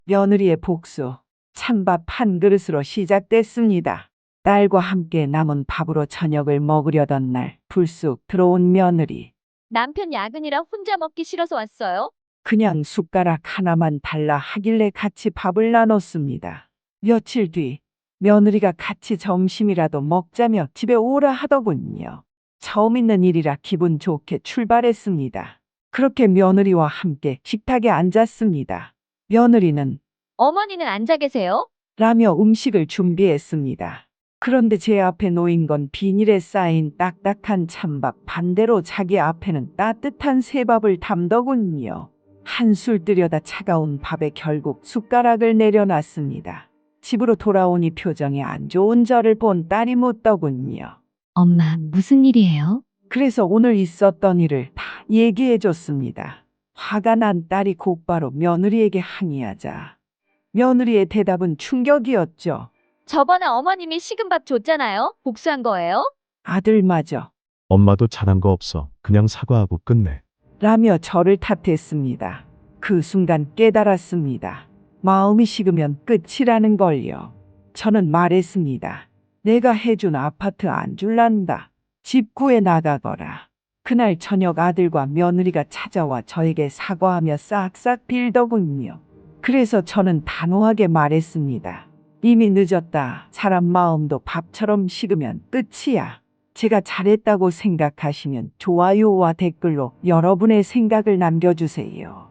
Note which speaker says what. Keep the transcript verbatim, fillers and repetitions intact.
Speaker 1: 며느리의 복수. 찬밥 한 그릇으로 시작됐습니다. 딸과 함께 남은 밥으로 저녁을 먹으려던 날 불쑥 들어온 며느리.
Speaker 2: 남편 야근이라 혼자 먹기 싫어서 왔어요.
Speaker 1: 그냥 숟가락 하나만 달라 하길래 같이 밥을 나눴습니다. 며칠 뒤 며느리가 같이 점심이라도 먹자며 집에 오라 하더군요. 처음 있는 일이라 기분 좋게 출발했습니다. 그렇게 며느리와 함께 식탁에 앉았습니다. 며느리는
Speaker 2: 어머니는 앉아 계세요?
Speaker 1: 라며 음식을 준비했습니다. 그런데 제 앞에 놓인 건 비닐에 쌓인 딱딱한 찬밥, 반대로 자기 앞에는 따뜻한 새밥을 담더군요. 한술 뜨려다 차가운 밥에 결국 숟가락을 내려놨습니다. 집으로 돌아오니 표정이 안 좋은 저를 본 딸이 묻더군요.
Speaker 3: 엄마, 무슨 일이에요?
Speaker 1: 그래서 오늘 있었던 일을 다 얘기해 줬습니다. 화가 난 딸이 곧바로 며느리에게 항의하자 며느리의 대답은 충격이었죠.
Speaker 2: 저번에 어머님이 식은 밥 줬잖아요. 복수한 거예요?
Speaker 1: 아들마저
Speaker 4: 엄마도 잘한 거 없어. 그냥 사과하고 끝내.
Speaker 1: 라며 저를 탓했습니다. 그 순간 깨달았습니다. 마음이 식으면 끝이라는 걸요. 저는 말했습니다. 내가 해준 아파트 안 줄란다. 집 구해 나가거라. 그날 저녁 아들과 며느리가 찾아와 저에게 사과하며 싹싹 빌더군요. 그래서 저는 단호하게 말했습니다. 이미 늦었다. 사람 마음도 밥처럼 식으면 끝이야. 제가 잘했다고 생각하시면 좋아요와 댓글로 여러분의 생각을 남겨주세요.